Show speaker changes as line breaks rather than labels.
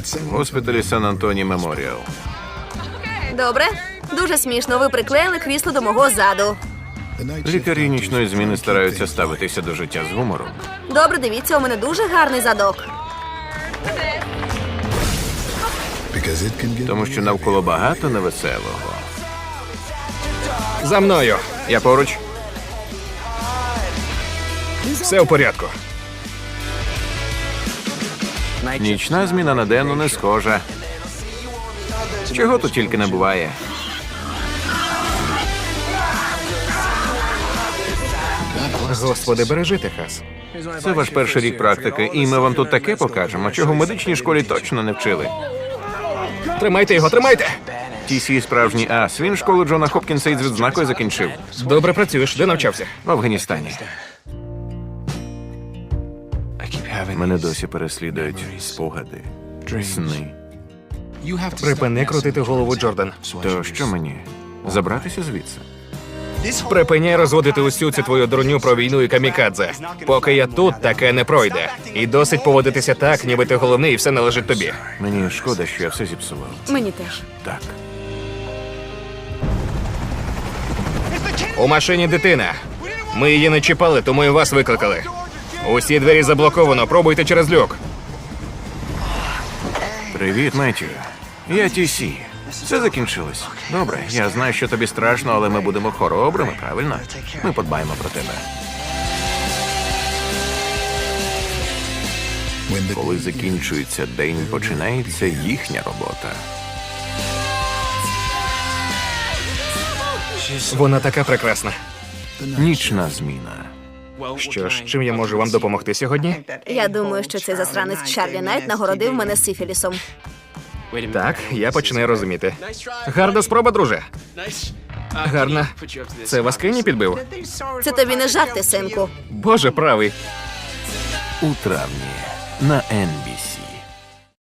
В госпіталі Сан-Антоні Меморіал.
Добре. Дуже смішно. Ви приклеїли крісло до мого заду.
Лікарі нічної зміни стараються ставитися до життя з гумором.
Добре, дивіться, у мене дуже гарний задок.
Тому що навколо багато невеселого.
За мною.
Я поруч.
Все в порядку.
Нічна зміна на денну не схожа. Чого тут тільки не буває.
Господи, бережи Техас.
Це ваш перший рік практики, і ми вам тут таке покажемо, чого в медичній школі точно не вчили.
Тримайте його, тримайте!
TC справжній ас. Він школу Джона Хопкінса із відзнакою закінчив.
Добре працюєш. Де навчався?
В Афганістані. Мене досі переслідують спогади, сни.
Припини крутити голову, Джордан.
То що мені? Забратися звідси?
Припиняй розводити усю цю твою дурню про війну і камікадзе. Поки я тут, таке не пройде. І досить поводитися так, ніби ти головний і все належить тобі.
Мені шкода, що я все зіпсував.
Мені теж.
Так.
У машині дитина. Ми її не чіпали, тому і вас викликали. Усі двері заблоковано, пробуйте через люк.
Привіт, Меттю. Я TC. Все закінчилось. Добре, я знаю, що тобі страшно, але ми будемо хоробрими, правильно? Ми подбаємо про тебе. Коли закінчується день, починається їхня робота.
Вона така прекрасна.
Нічна зміна.
Що ж, чим я можу вам допомогти сьогодні?
Я думаю, що цей засранець Чарлі Найт нагородив мене сифілісом.
Так, я починаю розуміти. Гарна спроба, друже. Гарна. Це вас Кенні підбив?
Це тобі не жарти, синку.
Боже правий.
У травні на NBC.